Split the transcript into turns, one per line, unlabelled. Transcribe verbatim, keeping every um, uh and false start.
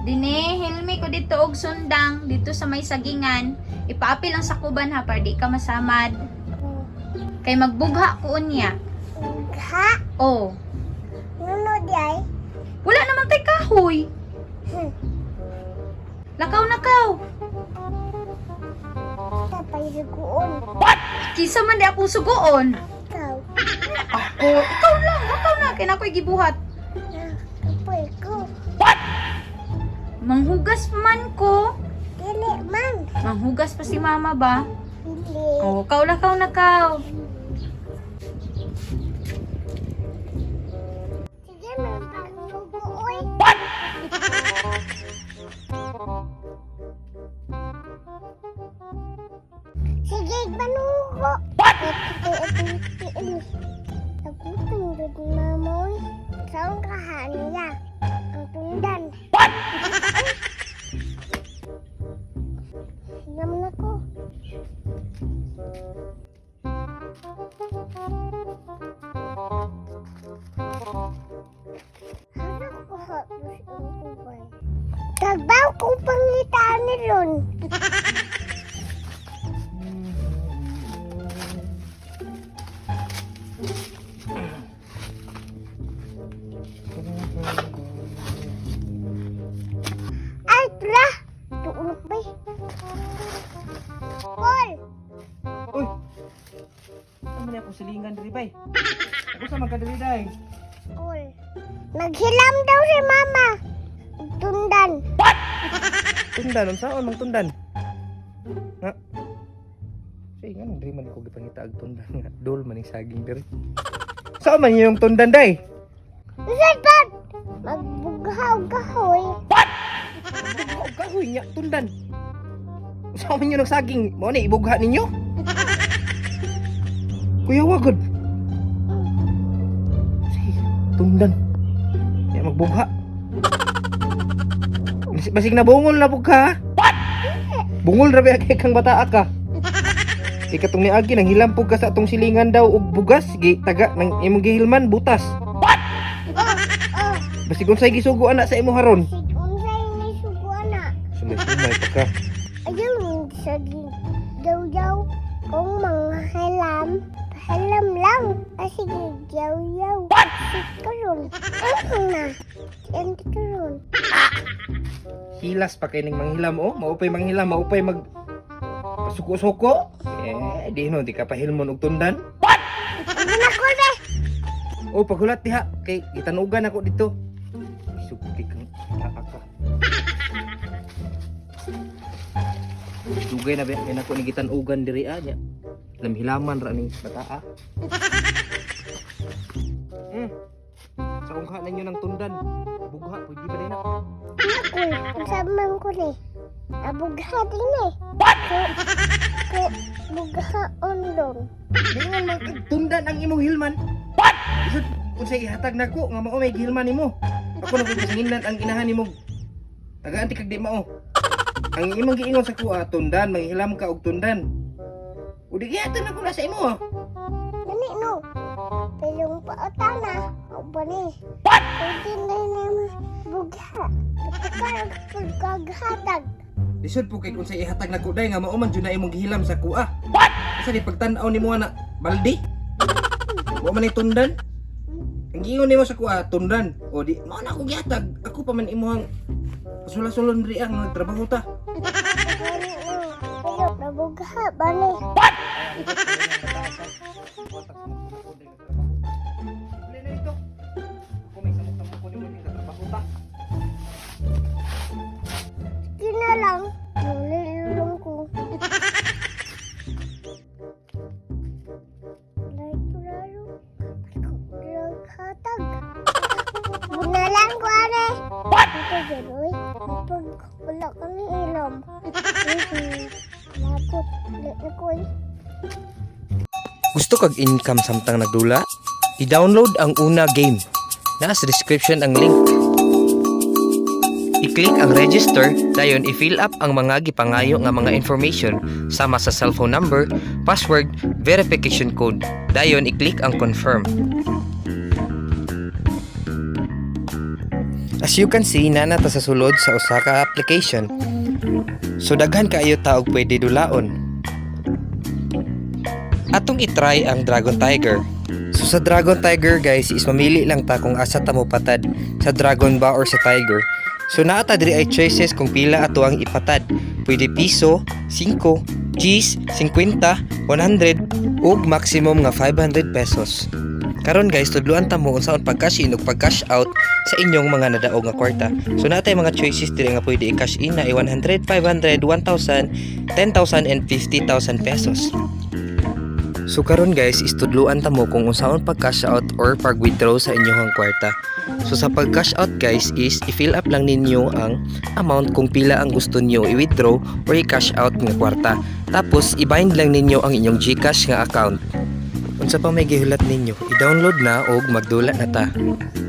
Dine, hilmi ko dito og sundang dito sa may sagingan. Ipaapi lang sa kuban ha para di ka masamad. Kay magbugha ko unya.
Ha?
Oh.
Nuno di ay?
Wala naman tay kahoy.
Hmm.
Lakaw nakaw.
Tapay suguon.
Kisa man di ako sugoon.
Ikaw.
Ako, ikaw lang, ikaw na kay nakoy gibuhat.
Ah, Tapay ko.
Manghugas man ko.
Dili man.
Manghugas pa si mama ba?
Dili.
Oh, kaw lakaw nakaw.
Sige, magpasuguoy. Sige, manugo. Nagutang doon ni Mamoy. Saan kahaan niya? Ang tundan. Naman ako. Harap ko hapos ang kubay. Tagbaw ko pangitaan ni Ron. Ay, tra! Tuulog ba? Paul!
Uy! Ano niya ako silingan diri bay? Ako sa magkadiri day.
Paul. Naghilam daw si Mama. Tundan.
Tundan, unsaon mang tundan? Ha? Say nga nang diri man ko gipangita ag tundan nga. Dol man ning saging diri. Saan man yung tundan day?
Usad pa! Magbughaw kahoy.
Bugha kahoy nya tundan. Saan man yung nagsaging? Mo ni ibugha ninyo? Kuya wagod. Say, tundan. Ya magbugha. Basig, basig na bungol na bugha. Bungol ra ba kay kang bata ka? Kay katong niagi nang hilampog ka sa atong silingan daw og bugas, gi taga nang imong gihilman butas.
Oh,
Basig unsay gisugo ana sa imo haron.
si unsay ni sugo na.
Sumay-sumay pa ka.
Ayun, saging daw-daw. Kung mga halam, halam lang. Ah, sige, yaw-yaw. Si Karol. Ano na? Ente Karol.
Hilas pa kay ning manghilam oh, maupay manghilam, maupay mag pasuko-suko. Eh, di no, di ka pahilmon og tundan.
Ano na ko be?
Oh, paghulat diha kay gitanugan ako dito. Sugti kang bata ka. Dugay na ba yan ako ni gitanugan diri ah nya. Lamhilaman ra ning bata ah. Hmm. Sa ungha ninyo ng tundan. Bugha pwede ba din ako?
Ako, saman ko ni. Abugha din eh. Ko, ko, bugha ondong.
Dingan man kag tundan ang imong hilman. Isod unsay ihatag nako nga mao may gihilman nimo. Ako na kasinginan ang inahan nimo. Tagaan ti kag di mao. Ang imong giingon sa kuha tundan manghilam ka og tundan. Udi gihatag nako na sa imo. ah.
Gani no. Pelong paota na. O ba ni? Pwede na naman bugha. Pagkakar pagkaghatag.
Lisod po kay kung sa ihatag nako day nga mao man jud na imong gihilam sa kuha. Asa di pagtan-aw nimo ana baldi? Wa man ni tundan. Ang giingon nimo sa kuha tundan. O di mao na ako gihatag. Ako pa man imong sula-sulon diri ang nagtrabaho ta.
Gani no. Pero nabugha ba ni? Sige na lang. Nalilulong ko. Lalo-lalo. Pagkaghatag. Bunalan ko are. Ito gano'y. Pag wala kami ilam. Lapot. Late ko eh.
Gusto kag income samtang nagdula? I-download ang Una game. Nasa description ang link. I-click ang register, dayon i-fill up ang mga gipangayo nga mga information sama sa cellphone number, password, verification code. Dayon i-click ang confirm. As you can see, nana ta sa sulod sa usa ka application. So daghan kaayo ta og pwede dulaon. Atong itry ang Dragon Tiger. So sa Dragon Tiger guys, is mamili lang ta kung asa ta mo patad, sa Dragon ba or sa Tiger. So naa ta diri ay choices kung pila ato ang ipatad. Pwede piso, five, Gs, fifty, one hundred ug maximum nga five hundred pesos. Karon guys, tudluan ta mo unsaon pag-cash in ug pag-cash out sa inyong mga nadaog nga kwarta. So natay mga choices diri nga pwede i-cash in na ay one hundred, five hundred, one thousand, ten thousand and fifty thousand pesos. So karon guys, istudluan ta mo kung unsaon pag-cash out or pag-withdraw sa inyong kwarta. So sa pag-cash out guys is i-fill up lang ninyo ang amount kung pila ang gusto niyo i-withdraw or i-cash out nga kwarta. Tapos i-bind lang ninyo ang inyong GCash nga account. Unsa pa may gihulat ninyo, i-download na og magdula na ta.